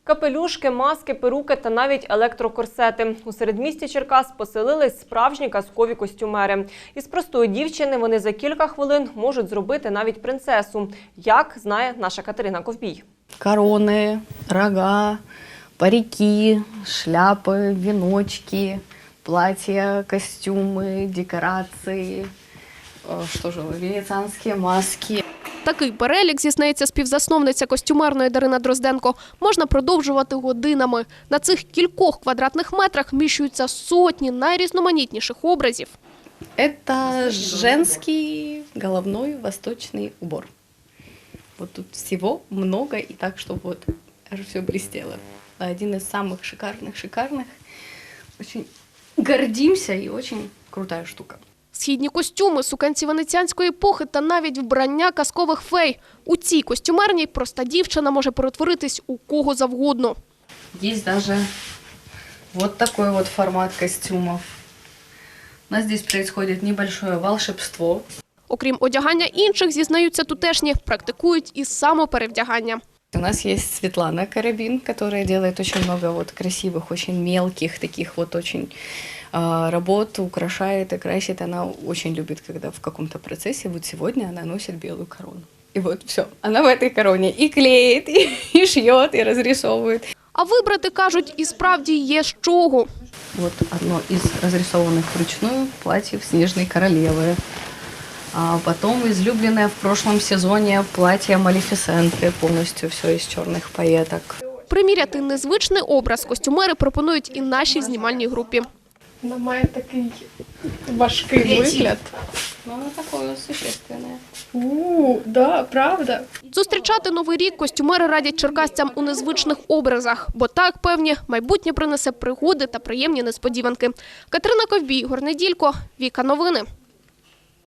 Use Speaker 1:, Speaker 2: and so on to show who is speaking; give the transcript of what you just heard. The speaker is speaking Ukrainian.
Speaker 1: Капелюшки, маски, перуки та навіть електрокорсети. У середмісті Черкас поселились справжні казкові костюмери. Із простої дівчини вони за кілька хвилин можуть зробити навіть принцесу. Як, знає наша Катерина Ковбій.
Speaker 2: Короны, рога, парики, шляпы, веночки, платья, костюмы, декорации, венецианские маски.
Speaker 3: Такий перелік, зізнається співзасновниця костюмерної Дарина Дрозденко, можна продовжувати годинами. На цих кількох квадратних метрах вміщуються сотні найрізноманітніших образів.
Speaker 2: Это женский головной восточный убор. Вот тут всего много, и так, чтобы вот все блестело. Один из самых шикарных. Очень гордимся и очень крутая штука.
Speaker 3: Східні костюми, суканці венеціанської епохи та навіть вбрання казкових фей. У цій костюмерній проста дівчина може перетворитись у кого завгодно.
Speaker 2: Есть даже вот такой вот формат костюмов. У нас здесь происходит небольшое волшебство.
Speaker 3: Окрім одягання інших, зізнаються тутешні, практикують і самоперевдягання.
Speaker 2: У нас есть Светлана Карабин, которая делает очень много вот красивых, очень мелких таких вот очень работ, украшает и красит. Она очень любит, когда в каком-то процессе, вот сегодня она носит белую корону. И вот все, она в этой короне и клеит, и шьет, и разрисовывает.
Speaker 3: А вибрати, кажуть, і справді є з чого.
Speaker 2: Вот одно из разрисованных вручную платьев Снежной королевы. А потом излюбленное в прошлом сезоне платье Малефисенты, полностью все из черных пайеток.
Speaker 3: Приміряти незвичний образ костюмери пропонують і нашій знімальній групі.
Speaker 4: Вона має такий важкий вигляд.
Speaker 2: Ну, оно такое существенное.
Speaker 4: Да, правда.
Speaker 3: Зустрічати Новий рік костюмери радять черкасцям у незвичних образах, бо так, певні, майбутнє принесе пригоди та приємні несподіванки. Катерина Ковбій, Ігор Неділько, Віка Новини.